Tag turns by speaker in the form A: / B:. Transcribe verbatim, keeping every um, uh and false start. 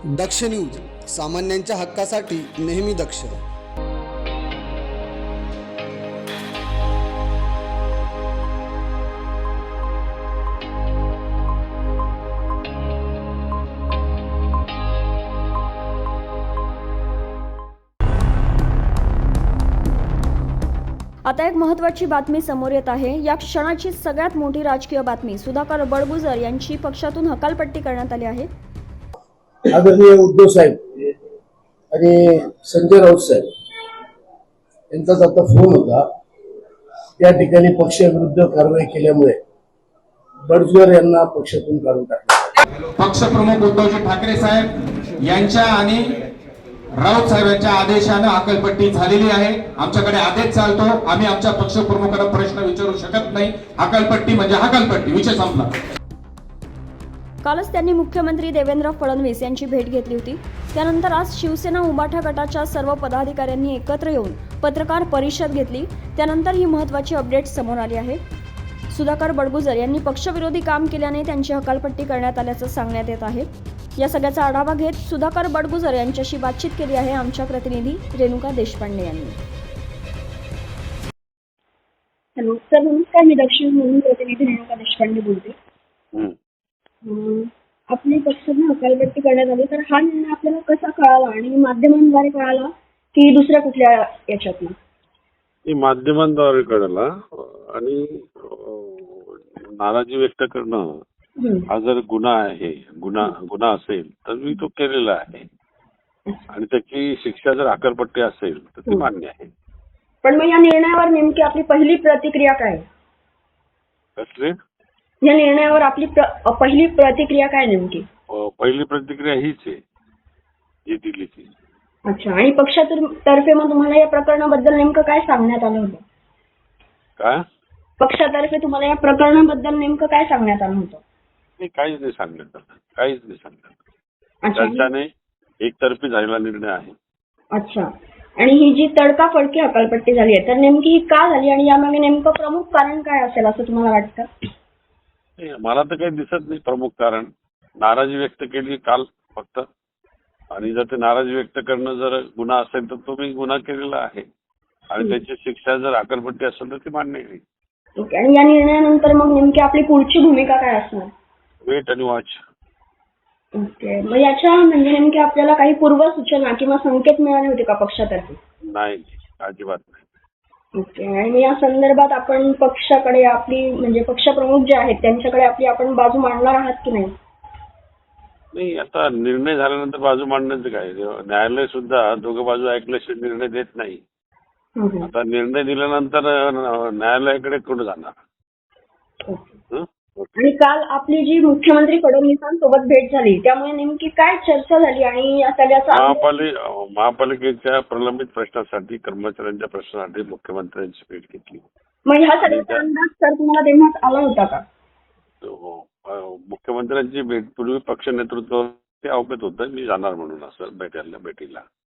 A: दक्ष news, सामान्यांच्या हक्कासाठी नेहमी दक्ष.
B: आता एक महत्त्वाची बातमी समोर येत आहे. या क्षणाची सगळ्यात मोठी राजकीय बातमी. सुधाकर बडगुजर यांची पक्षातून हकालपट्टी करण्यात आली आहे.
C: आदरणीय उद्धव साहेब आणि संजय राऊत साहेब यांचाच आता फोन होता. त्या ठिकाणी पक्षाविरुद्ध कारवाई केल्यामुळे बडगुजर यांना पक्षातून काढून टाकलं.
D: पक्षप्रमुख उद्धवजी ठाकरे साहेब यांच्या आणि राऊत साहेबांच्या आदेशाने हकालपट्टी झालेली आहे. आमच्याकडे आदेश चालतो, आम्ही आमच्या पक्षप्रमुखांना प्रश्न विचारू शकत नाही. हकालपट्टी म्हणजे हकालपट्टी, विषय संपला.
B: कालच त्यांनी मुख्यमंत्री देवेंद्र फडणवीस यांची भेट घेतली होती. त्यानंतर आज शिवसेना उबाठा गटाच्या सर्व पदाधिकाऱ्यांनी एकत्र येऊन पत्रकार परिषद घेतली. त्यानंतर ही महत्त्वाची अपडेट समोर आली आहे. सुधाकर बडगुजर यांनी पक्षविरोधी काम केल्याने त्यांची हकालपट्टी करण्यात आल्याचं सांगण्यात येत आहे. या सगळ्याचा आढावा घेत सुधाकर बडगुजर यांच्याशी बातचीत केली आहे आमच्या प्रतिनिधी रेणुका देशपांडे यांनी. हॅलो सर, नमस्कार. मी दक्षिण म्हणून प्रतिनिधी रेणुका देशपांडे बोलते. आपली पक्षाने हकालपट्टी करण्यात आली, तर हा निर्णय आपल्याला कसा कळाला आणि माध्यमांद्वारे कळाला की दुसऱ्या कुठल्या याच्यातून?
E: माध्यमांद्वारे कळाला आणि नाराजी व्यक्त करणं हा जर गुन्हा आहे, गुन्हा गुन्हा असेल तर मी तो केलेला आहे आणि त्याची शिक्षा जर हकालपट्टी असेल तर ती मान्य आहे.
B: पण मग या निर्णयावर नेमकी आपली पहिली प्रतिक्रिया काय?
E: कसले?
B: या निर्णयावर आपली पहिली प्रतिक्रिया काय नेमकी?
E: पहिली प्रतिक्रिया हीच आहे जी दिली ती.
B: अच्छा. आणि पक्षातर्फे मग तुम्हाला या प्रकरणाबद्दल नेमकं काय सांगण्यात आलं होतं?
E: काय
B: पक्षातर्फे तुम्हाला या प्रकरणाबद्दल नेमकं काय सांगण्यात आलं होतं?
E: नाही, काहीच नाही सांगण्यात आलं, काहीच नाही सांगण्यात आलं.
B: अच्छा.
E: त्यांच्याने एकतर्फी झालेला निर्णय आहे.
B: अच्छा. आणि ही जी तडकाफडकी हकालपट्टी झाली आहे, तर नेमकी ही का झाली आणि यामागे नेमकं प्रमुख कारण काय असेल असं तुम्हाला वाटतं?
E: मला तर काही दिसत नाही प्रमुख कारण. नाराजी व्यक्त केली काल फक्त, आणि जर ते नाराजी व्यक्त करणं जर गुन्हा असेल तर तो मी गुन्हा केलेला आहे आणि त्याची शिक्षा जर हकालपट्टी असेल तर ती मान्य आहे.
B: ओके. आणि या निर्णयानंतर मग नेमकी आपली पुढची भूमिका काय असणार?
E: वेट आणि वॉच.
B: ओके. मग याच्या म्हणजे नेमकी आपल्याला काही पूर्व सूचना किंवा संकेत मिळाले होते का पक्षातर्फे?
E: नाही, अजिबात नाही.
B: ओके. आणि या संदर्भात आपण पक्षाकडे आपली म्हणजे पक्षप्रमुख जे आहेत त्यांच्याकडे आपली आपण बाजू मांडणार आहात की नाही?
E: नाही, आता निर्णय झाल्यानंतर बाजू मांडण्याचं काय? न्यायालय सुद्धा दोघं बाजू ऐकल्याशिवाय निर्णय देत नाही. आता निर्णय दिल्यानंतर न्यायालयाकडे कुठं जाणार?
B: आणि काल आपली जी मुख्यमंत्री फडणवीसांसोबत भेट झाली त्यामुळे नेमकी काय चर्चा झाली आणि या सगळ्याचा
E: महापालिका महापालिकेच्या प्रलंबित प्रश्नासाठी, कर्मचाऱ्यांच्या प्रश्नासाठी मुख्यमंत्र्यांची भेट घेतली.
B: मग ह्या सगळ्याचा अंदाज सर तुम्हाला तेव्हाच आला होता का?
E: मुख्यमंत्र्यांची भेट पूर्वी पक्ष नेतृत्व ते अवगत होतं मी जाणार म्हणून असं भेटायला भेटीला.